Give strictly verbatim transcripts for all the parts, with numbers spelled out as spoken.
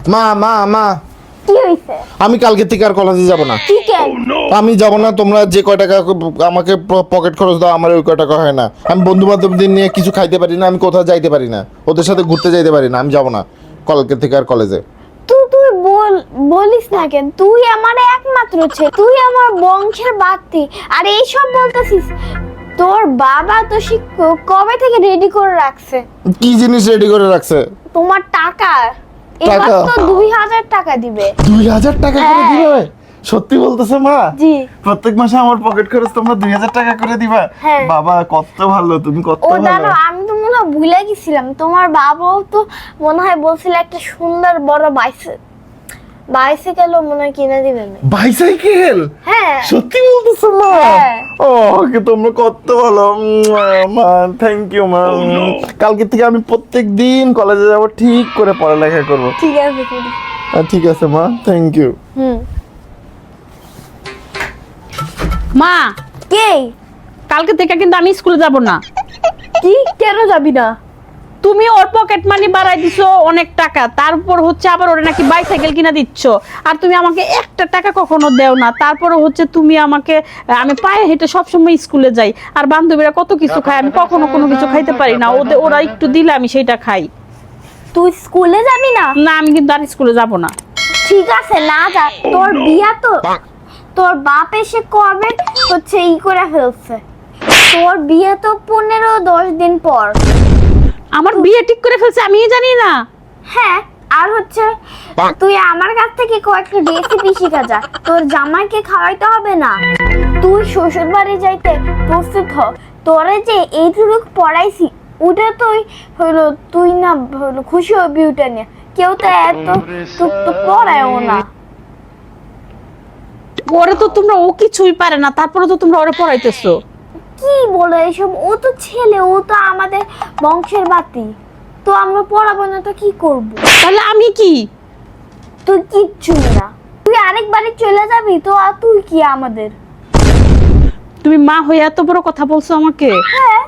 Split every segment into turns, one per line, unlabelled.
মা মা মা
কি হইছে?
আমি কালকে থেকে আর কলেজে যাব না।
কি কেন?
আমি যাব না, তোমরা যে কয় টাকা আমাকে পকেট খরচ দাও আমার ওই কয় টাকা হয় না। আমি বন্ধু বান্ধবদের নিয়ে কিছু খাইতে পারি না, আমি কোথাও যাইতে পারি না, ওদের সাথে ঘুরতে যাইতে পারি না, আমি যাব না কালকে থেকে আর কলেজে।
তুই তুই বল বলিস না কেন? তুই আমার একমাত্র ছেলে, তুই আমার বংশের বাতি, আর এইসব বলতেছিস? তোর বাবা তো শিক্ষক কবে থেকে রেডি করে রাখছে।
কি জিনিস রেডি করে রাখছে?
তোমার টাকা। এবার
টাকা?
তো দুই হাজার টাকা দিবে।
দুই হাজার টাকা করে
হ্যাঁ।
দিবে? সত্যি বলতেছে মা?
জি।
প্রত্যেক মাসে আমার পকেট খরচ তোমরা দুই হাজার টাকা করে দিবা?
হ্যাঁ।
বাবা কত ভালো, তুমি কত
ও
ভালো।
দাঁড়াও, আমি তো মনে হয় ভুলে গেছিলাম, তোমার বাবাও তো মনে হয় বলছিল একটা সুন্দর বড় বাইসে বাইসাইকেলও মনে হয় কিনে দিবেন।
বাইসাইকেল?
হ্যাঁ।
সত্যি বলতেছো মা?
হ্যাঁ।
ও কি তোমরা কত ভালো মা, থ্যাংক ইউ মা। কালকে থেকে আমি প্রত্যেক দিন কলেজে যাব, ঠিক করে পড়ালেখা করব।
ঠিক আছে করি।
ঠিক আছে মা, থ্যাংক ইউ।
হুম।
মা,
কে?
কালকে থেকে কিন্তু আমি স্কুলে যাব না।
কি? কেন যাবি না?
তুমি ওর পকেট মানি বাড়াই দিছো অনেক টাকা, তারপর হচ্ছে আবার ওরে নাকি বাইসাইকেল কিনা দিচ্ছ, আর তুমি আমাকে একটা টাকা কখনো দেও না। তারপরে হচ্ছে তুমি আমাকে, আমি পায়ে হেঁটে সবসময় স্কুলে যাই, আর বান্ধবীরা কত কিছু খায়, আমি কখনো কোনো কিছু খাইতে পারি না। ওদের ওরা একটু দিলে আমি সেইটা খাই।
তুই স্কুলে যাবি না?
না, আমি কিন্তু আর স্কুলে যাব না।
ঠিক আছে, না যা। তোর বিয়া তো তোর বাপ এসে কবে হচ্ছে ই করে ফেলছে। তোর বিয়ে তো পনেরো দশ দিন পর।
আমার বিয়ে ঠিক করে ফেলছে, আমিই জানি না।
হ্যাঁ, আর হচ্ছে তুই আমার কাছ থেকে কয়েকটা রেসিপি শিখা যা, তোর জামাইকে খাওয়াইতে হবে না। তুই শ্বশুর বাড়ি যাইতে প্রস্তুত হ। তোরে যে এইটুকু পড়াইছি ওটা তুই হইলো, তুই না হইলো খুশি হবি ওটা নিয়ে। কেউ তো এত টুক তো পড়ায়ও না।
ওরে তো তোমরা, ও কিছুই পারে না, তারপরে তো তোমরা ওরে পড়াইতেছো।
কি বলো এসব? ও তো ছেলে, ও তো আমাদের বংশের বাতি, তো আমরা পড়াবো না তো কি করব?
তাহলে আমি কি?
তুই কিচ্ছু না, তুই আরেক বাড়ি চলে যাবি তো, আর তুই কি আমাদের?
তুমি মা হয়ে এত বড় কথা বলছো আমাকে?
হ্যাঁ।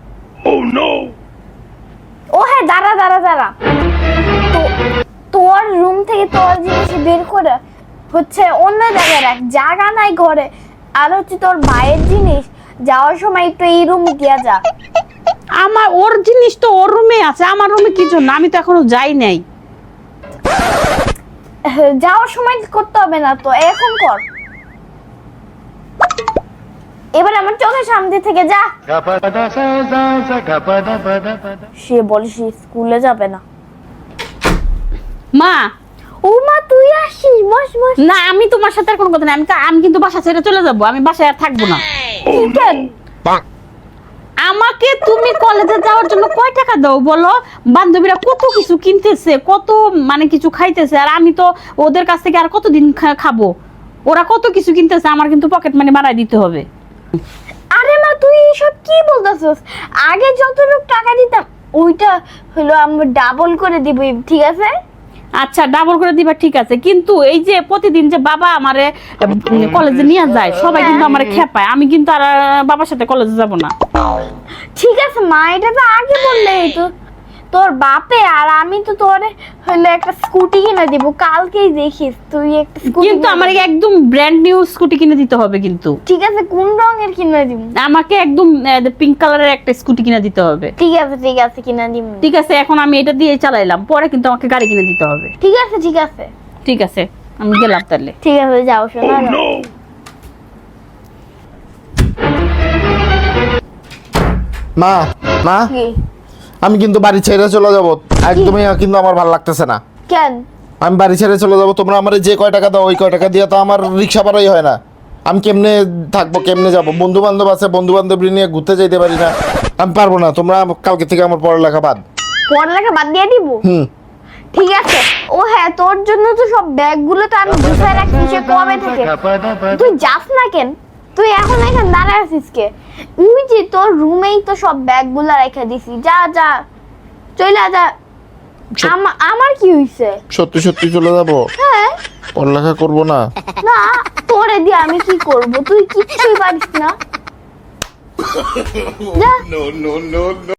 ও হ্যাঁ, দাঁড়া দাঁড়া দাঁড়া, তো তোর রুম থেকে তোর জিনিস বের করে হচ্ছে অন্য জায়গায় রাখ, জায়গা নাই ঘরে। আর হচ্ছে তোর ভাইয়ের জিনিস যাওয়ার সময় একটু এই রুম গিয়া যা।
আমার ওর জিনিস তো ওর রুমে আছে, আমার রুমে কি জন্য? আমি তো এখনো যাই নাই।
যাওয়ার সময় করতে হবে না তো, এখন কর। এবার আমার চোখের সামনে থেকে যা। সে বলে সে স্কুলে যাবে না।
মা,
ও মা, তুই আসিস, বস বস।
না, আমি তোমার সাথে আর কোনো কথা নেই। আমি আমি কিন্তু বাসা ছেড়ে চলে যাব, আমি বাসায় আর থাকবো না।
কেন?
আমাকে তুমি কলেজে যাওয়ার জন্য কয় টাকা দাও বলো? বান্ধবীরা কত কিছু কিনতেছে, কত মানে কিছু খাইতেছে, আর আমি তো ওদের কাছ থেকে আর কতদিন খা- খাবো? ওরা কত কিছু কিনতেছে, আমার কিন্তু পকেট মানি বাড়াই দিতে হবে।
আরে মা, তুই এসব কি বলতেছস? আগে যতটুকু টাকা দিতাম ওইটা হলো আমরা ডাবল করে দিব, ঠিক আছে?
আচ্ছা, ডাবল করে দিবা, ঠিক আছে, কিন্তু এই যে প্রতিদিন যে বাবা আমারে কলেজে নিয়ে যায়, সবাই কিন্তু আমারে খেপায়, আমি কিন্তু আর আহ, বাবার সাথে কলেজে যাব না।
ঠিক আছে মা, এটা তো আগে বললেই তো। তোর বাপে আর আমি তো তোরে হলো একটা স্কুটি কিনে দিব, কালকেই দেখিস তুই একটা স্কুটি।
কিন্তু আমার একদম ব্র্যান্ড নিউ স্কুটি কিনে দিতে হবে কিন্তু।
ঠিক আছে, কোন রঙের কিনে দিব?
আমাকে একদম পিঙ্ক কালারের একটা স্কুটি কিনে দিতে হবে।
ঠিক আছে ঠিক আছে, কিনে দিব।
ঠিক আছে, এখন আমি এটা দিয়ে চালাইলাম, পরে কিন্তু আমাকে গাড়ি কিনে দিতে হবে।
ঠিক আছে ঠিক আছে
ঠিক আছে, আমি গেলাম তাহলে।
ঠিক আছে, যাও শোনা।
মা মা,
কি?
আমি কিন্তু বাড়ি ছেড়ে চলে যাব, একদমই কিন্তু আমার ভালো লাগতেছে না।
কেন?
আমি বাড়ি ছেড়ে চলে যাব, তোমরা আমার যে কয় টাকা দাও ওই কয় টাকা দিয়ে তো আমার রিক্সা ভাড়াই হয় না। আমি কেমনে থাকবো, কেমনে যাব? বন্ধু বান্ধব আছে, বন্ধু বান্ধব নিয়ে ঘুরতে যেতে পারি না, আমি পারবো না। তোমরা কালকে থেকে আমার পড়ালেখা বাদ।
পড়ালেখা বাদ দিয়ে দিব?
হুম।
ঠিক আছে। ও হ্যাঁ, তোর জন্য তো সব ব্যাগগুলো তো আমি গুছায় রাখছি সে কবে থেকে। তুই যাস না কেন? তুই এখন এখানে দাঁড়ায় আছিস কে? ওই যে তোর রুমেই তো সব ব্যাগগুলো রেখে দিছি, যা যা চলে যা। আমা- আমার কি হইছে?
সত্যি সত্যি চলে যাব?
হ্যাঁ।
পড়ালেখা করবো না?
না, তোরে দিয়ে আমি কি করব? তুই কিচ্ছুই পারিস না, যা।